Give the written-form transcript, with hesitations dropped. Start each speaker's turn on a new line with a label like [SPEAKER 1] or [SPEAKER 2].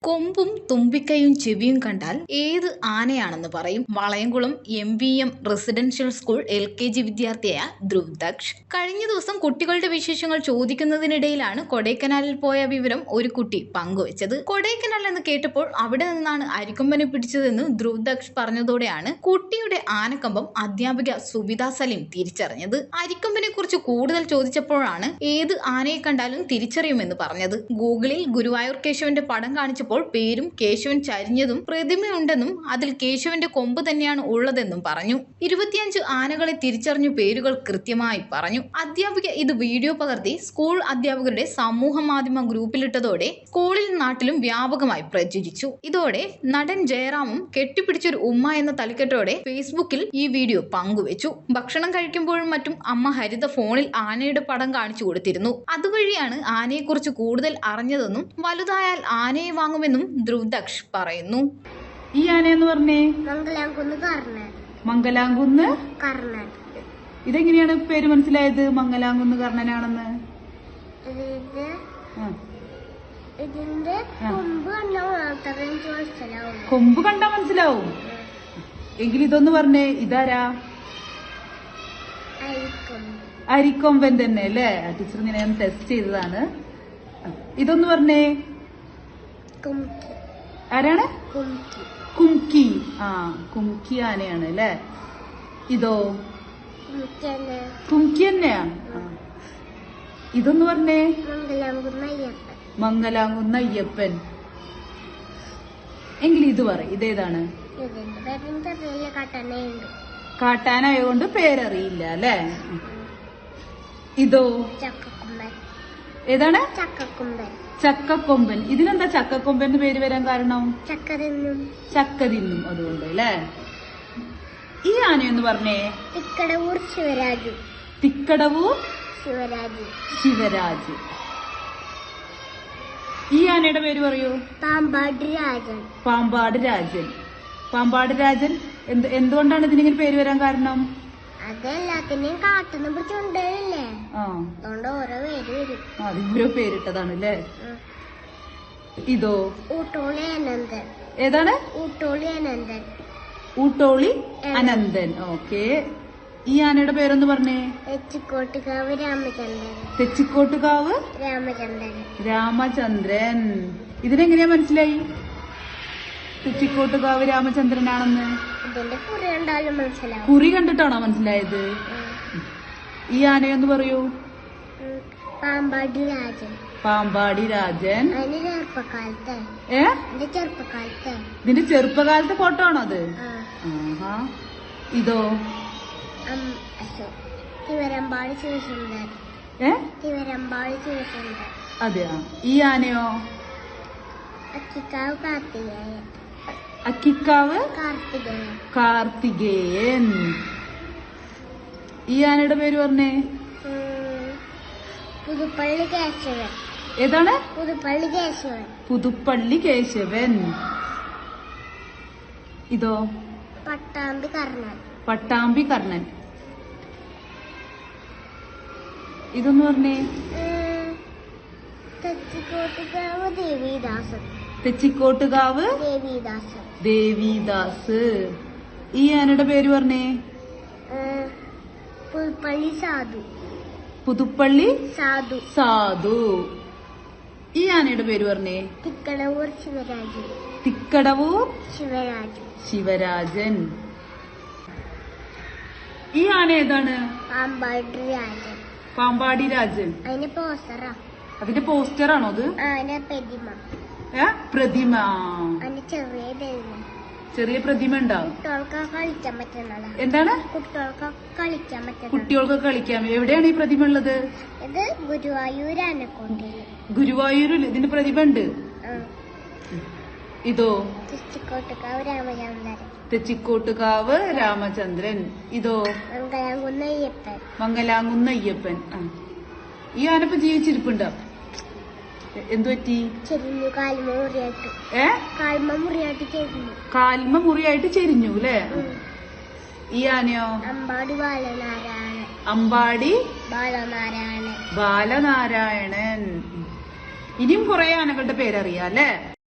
[SPEAKER 1] കൊമ്പും തുമ്പിക്കൈയും ചെവിയും കണ്ടാൽ ഏത് ആനയാണെന്ന് പറയും. Valayamkulam MVM residential school LKG വിദ്യാർത്ഥിയായ ധ്രുവ് ദക്ഷ് കഴിഞ്ഞ ദിവസം കുട്ടികളുടെ വിശേഷങ്ങൾ ചോദിക്കുന്നതിനിടയിലാണ് കൊടൈക്കനാലിൽ പോയ വിവരം ഒരു കുട്ടി പങ്കുവച്ചത്. കൊടൈക്കനാൽ എന്ന് കേട്ടപ്പോൾ അവിടെ നിന്നാണ് അരിക്കൊമ്പനെ പിടിച്ചതെന്ന് ധ്രുവ് ദക്ഷ് പറഞ്ഞതോടെയാണ് കുട്ടിയുടെ ആനക്കമ്പം അധ്യാപിക സുബിത സലീം തിരിച്ചറിഞ്ഞത്. അരിക്കൊമ്പനെ കുറിച്ച് കൂടുതൽ ചോദിച്ചപ്പോഴാണ് ഏത് ആനയെ കണ്ടാലും തിരിച്ചറിയുമെന്ന് പറഞ്ഞത്. ഗൂഗിളിൽ ഗുരുവായൂർ കേശവന്റെ പടം കാണിച്ചപ്പോൾ പേരും കേശവൻ ചരിഞ്ഞതും പ്രതിമയുണ്ടെന്നും അതിൽ കേശവന്റെ കൊമ്പ് തന്നെയാണ് ഉള്ളതെന്നും പറഞ്ഞു. 25 ആനകളെ തിരിച്ചറിഞ്ഞു പേരുകൾ കൃത്യമായി പറഞ്ഞു. അധ്യാപിക ഇത് വീഡിയോ പകർത്തി സ്കൂൾ അധ്യാപകരുടെ സമൂഹ മാധ്യമ ഗ്രൂപ്പിലിട്ടതോടെ സ്കൂളിലും നാട്ടിലും വ്യാപകമായി പ്രചരിച്ചു. ഇതോടെ നടൻ ജയറാമും കെട്ടിപ്പിടിച്ചൊരു ഉമ്മ എന്ന തലക്കെട്ടോടെ ഫേസ്ബുക്കിൽ ഈ വീഡിയോ പങ്കുവച്ചു. ഭക്ഷണം കഴിക്കുമ്പോഴും മറ്റും അമ്മ ഹരിത ഫോണിൽ ആനയുടെ പടം കാണിച്ചു കൊടുത്തിരുന്നു. അതുവഴിയാണ് ആനയെക്കുറിച്ച് കൂടുതൽ അറിഞ്ഞതെന്നും വലുതായാൽ ആനയെ വാങ്ങുമെന്നും ധ്രുവ് ദക്ഷ് പറയുന്നു.
[SPEAKER 2] ഈ ആനയെന്ന് പറഞ്ഞേ
[SPEAKER 3] മംഗലാംകുന്ന്
[SPEAKER 2] കർണൻ.
[SPEAKER 3] ഇതെങ്ങനെയാണ് പേര് മനസ്സിലായത് മംഗലാംകുന്ന് കർണനാണെന്ന്?
[SPEAKER 2] ഇതിന്റെ
[SPEAKER 3] കൊമ്പ് കണ്ടാ മനസ്സിലാവും. എങ്കിൽ ഇതൊന്ന് പറഞ്ഞേ, ഇതാരാ? അരിക്കൊമ്പൻ തന്നെ അല്ലേ? ടീച്ചർ ഇങ്ങനെ ടെസ്റ്റ് ചെയ്തതാണ്. ഇതൊന്ന് പറഞ്ഞേ, ആരാണ്? കുംകി. കുംകി ആനയാണ് അല്ലേ? ഇതോ കുംകി തന്നെയാ. ഇതൊന്ന് പറഞ്ഞേ, മംഗലാംകുന്ന് അയ്യപ്പൻ. എങ്കിൽ ഇത് പറ, ഇതേതാണ്? കാട്ടാനായോണ്ട് പേരറിയില്ല അല്ലേ? ഇതോ ഏതാണ്? ചക്കക്കൊമ്പൻ. ഇതിനെന്താ ചക്കക്കൊമ്പൻ പേര് വരാൻ കാരണം? ചക്ക തിന്നും അതുകൊണ്ട് അല്ലേ? ഈ ആനയെന്ന് പറഞ്ഞേ,
[SPEAKER 2] തിക്കടവൂർ ശിവരാജു.
[SPEAKER 3] തിക്കടവൂർ ശിവരാജ്. ഈ ആനയുടെ പേര് പറയൂ.
[SPEAKER 2] പാമ്പാട് രാജൻ.
[SPEAKER 3] പാമ്പാട് രാജൻ. പാമ്പാട് രാജൻ എന്തുകൊണ്ടാണ് ഇതിനിങ്ങനെ പേര് വരാൻ കാരണം?
[SPEAKER 2] അതെല്ലാത്തിനെയും കാട്ടുന്ന പിടിച്ചുകൊണ്ടല്ലേ, അതുകൊണ്ട് ഓരോ പേര് വരും.
[SPEAKER 3] അതിന്റെ പേരിട്ടതാണ് അല്ലേ? ഇതോ
[SPEAKER 2] ഊട്ടോളി അനന്തൻ.
[SPEAKER 3] ഏതാണ്?
[SPEAKER 2] ഊട്ടോളി അനന്തൻ.
[SPEAKER 3] ഊട്ടോളി അനന്തൻ. ഓക്കെ. ഈ ആനയുടെ പേരൊന്ന് പറഞ്ഞേ.
[SPEAKER 2] തെച്ചിക്കോട്ടുകാവ് രാമചന്ദ്രൻ.
[SPEAKER 3] തെച്ചിക്കോട്ടുകാവ് രാമചന്ദ്രൻ. ഇതിനെങ്ങനെയാ മനസ്സിലായി തെച്ചിക്കോട്ടുകാവ് രാമചന്ദ്രനാണെന്ന്?
[SPEAKER 2] ഇതിന്റെ കുറി കണ്ടാലും മനസ്സിലാവും.
[SPEAKER 3] കുറി കണ്ടിട്ടാണോ മനസ്സിലായത്? ഈ ആനയൊന്ന് പറയൂ.
[SPEAKER 2] പാമ്പാടി രാജൻ.
[SPEAKER 3] പാമ്പാടി രാജൻ.
[SPEAKER 2] ഇതിന്റെ
[SPEAKER 3] ചെറുപ്പകാലത്തെ ഫോട്ടോ ആണോ അത്? ഇതോ
[SPEAKER 2] തിവരമ്പാടി ശിവസുന്ദർ.
[SPEAKER 3] അതെയാ. ഈ ആനയോ?
[SPEAKER 2] അക്കിക്കാവ് കാർത്തികേയൻ.
[SPEAKER 3] അക്കിക്കാവ് കാർത്തികേയൻ. ഈ ആനയുടെ പേര് പറഞ്ഞേ.
[SPEAKER 2] പുതുപ്പള്ളി കേശവൻ.
[SPEAKER 3] ഏതാണ്?
[SPEAKER 2] പുതുപ്പള്ളി കേശവൻ.
[SPEAKER 3] പുതുപ്പള്ളി കേശവൻ. ഇതോ
[SPEAKER 2] പട്ടാമ്പി കർണൻ.
[SPEAKER 3] പട്ടാമ്പി കർണൻ. ഇതൊന്ന് പറഞ്ഞേ.
[SPEAKER 2] തെച്ചിക്കോട്ടുകാവ് ദേവിദാസൻ.
[SPEAKER 3] തെച്ചിക്കോട്ടുകാവ് ദേവിദാസ്. ഈ ആനയുടെ പേര് പറഞ്ഞേ.
[SPEAKER 2] പുതുപ്പള്ളി സാധു.
[SPEAKER 3] പുതുപ്പള്ളി
[SPEAKER 2] സാധു.
[SPEAKER 3] ഈ ആനയുടെ പേര് പറഞ്ഞേ.
[SPEAKER 2] തിക്കടവൂർ ശിവരാജു.
[SPEAKER 3] തിക്കടവൂർ ശിവരാജൻ. ഈ ആന ഏതാണ്?
[SPEAKER 2] പാമ്പാടി രാജൻ.
[SPEAKER 3] പാമ്പാടി രാജൻ.
[SPEAKER 2] അതിന്റെ പോസ്റ്ററാ.
[SPEAKER 3] അതിന്റെ പോസ്റ്ററാണോ അത്? പ്രതിമ. ചെറിയ പ്രതിമ ഉണ്ടാവും.
[SPEAKER 2] കളിക്കാൻ പറ്റുന്നതാ.
[SPEAKER 3] എന്താണ്? കുട്ടികൾക്ക് കളിക്കാം. എവിടെയാണ് ഈ പ്രതിമ ഉള്ളത്?
[SPEAKER 2] ഇത് ഗുരുവായൂർ ആനക്കോട്ടയിൽ.
[SPEAKER 3] ഗുരുവായൂരിൽ ഇതിന്റെ പ്രതിമ ഉണ്ട്. ഇതോ
[SPEAKER 2] തെച്ചിക്കോട്ടുകാവ് രാമചന്ദ്രൻ.
[SPEAKER 3] തെച്ചിക്കോട്ടുകാവ് രാമചന്ദ്രൻ. ഇതോ മംഗലാംകുന്ന് അയ്യപ്പൻ. ഈ ആനപ്പ ജീവിച്ചിരിപ്പുണ്ടോ? എന്തു പറ്റി? കാൽമ മുറിയായിട്ട് ചെരിഞ്ഞു അല്ലേ? ഈ ആനയോ? അമ്പാടി ബാലനാരായണൻ. ഇനിയും കുറെ ആനകളുടെ പേരറിയാം അല്ലേ?